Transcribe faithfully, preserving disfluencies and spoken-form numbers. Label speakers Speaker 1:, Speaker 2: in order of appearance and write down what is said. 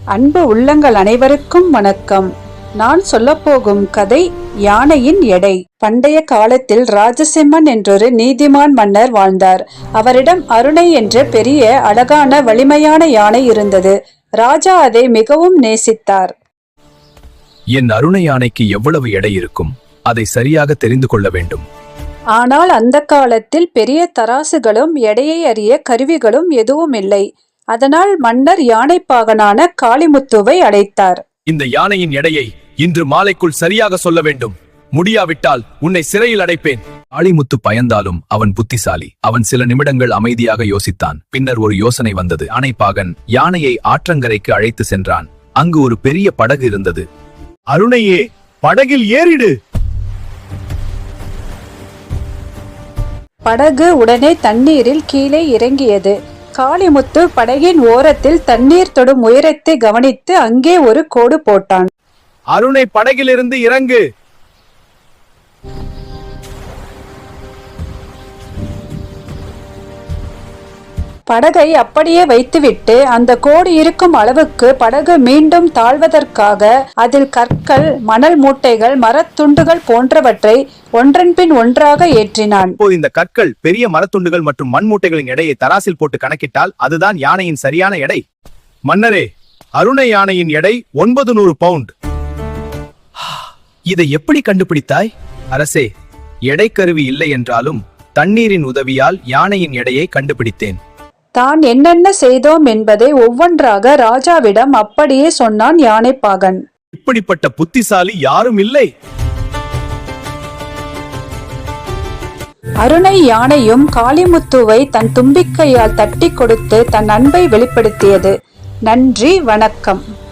Speaker 1: அன்பு உள்ளங்கள் அனைவருக்கும் வணக்கம். நான் சொல்லப்போகும் கதை யானையின் எடை. பண்டைய காலத்தில் ராஜசிம்மன் என்றொரு நீதிமான் மன்னர் வாழ்ந்தார். அவரிடம் அருணை என்ற பெரிய அழகான வலிமையான யானை இருந்தது. ராஜா அதை மிகவும் நேசித்தார்.
Speaker 2: என் அருணை யானைக்கு எவ்வளவு எடை இருக்கும், அதை சரியாக தெரிந்து கொள்ள வேண்டும்.
Speaker 1: ஆனால் அந்த காலத்தில் பெரிய தராசுகளும் எடையை அறிய கருவிகளும் எதுவும் இல்லை. அதனால் மன்னர் யானைப்பாகனான காளிமுத்துவை அழைத்தார்.
Speaker 2: இந்த யானையின் எடையை இன்று மாலைக்குள் சரியாக சொல்ல வேண்டும். முடியாவிட்டால் உன்னை சிறையில் அடைப்பேன். காளிமுத்து பயந்தாலும் அவன் புத்திசாலி. அவன் சில நிமிடங்கள் அமைதியாக யோசித்தான். பின்னர் ஒரு யோசனை வந்தது. யானைப்பாகன் யானையை ஆற்றங்கரைக்கு அழைத்து சென்றான். அங்கு ஒரு பெரிய படகு இருந்தது. அருணையே, படகில் ஏறிடு.
Speaker 1: படகு உடனே தண்ணீரில் கீழே இறங்கியது. காளிமுத்து படகின் ஓரத்தில் தண்ணீர் தொடும் உயரத்தை கவனித்து அங்கே ஒரு கோடு போட்டான்.
Speaker 2: அருணை, படகிலிருந்து இறங்கு.
Speaker 1: படகை அப்படியே வைத்துவிட்டு அந்த கோடு இருக்கும் அளவுக்கு படகு மீண்டும் தாழ்வதற்காக அதில் கற்கள், மணல் மூட்டைகள், மரத்துண்டுகள் போன்றவற்றை ஒன்றன் பின் ஒன்றாக ஏற்றினான்.
Speaker 2: இப்போது இந்த கற்கள், பெரிய மரத்துண்டுகள் மற்றும் மண் மூட்டைகளின் எடையை தராசில் போட்டு கணக்கிட்டால் அதுதான் யானையின் சரியான எடை. மன்னரே, அருணை யானையின் எடை ஒன்பது நூறு பவுண்ட். இதை எப்படி கண்டுபிடித்தாய்? அரசே, எடை கருவி இல்லை என்றாலும் தண்ணீரின் உதவியால் யானையின் எடையை கண்டுபிடித்தேன்.
Speaker 1: தான் என்னென்ன செய்தோம் என்பதை ஒவ்வொன்றாக ராஜாவிடம் அப்படியே சொன்னான் யானைப்பாகன்.
Speaker 2: இப்படிப்பட்ட புத்திசாலி யாரும் இல்லை.
Speaker 1: அருணை யானையும் காளிமுத்துவை தன் தும்பிக்கையால் தட்டி கொடுத்து தன் அன்பை வெளிப்படுத்தியது. நன்றி, வணக்கம்.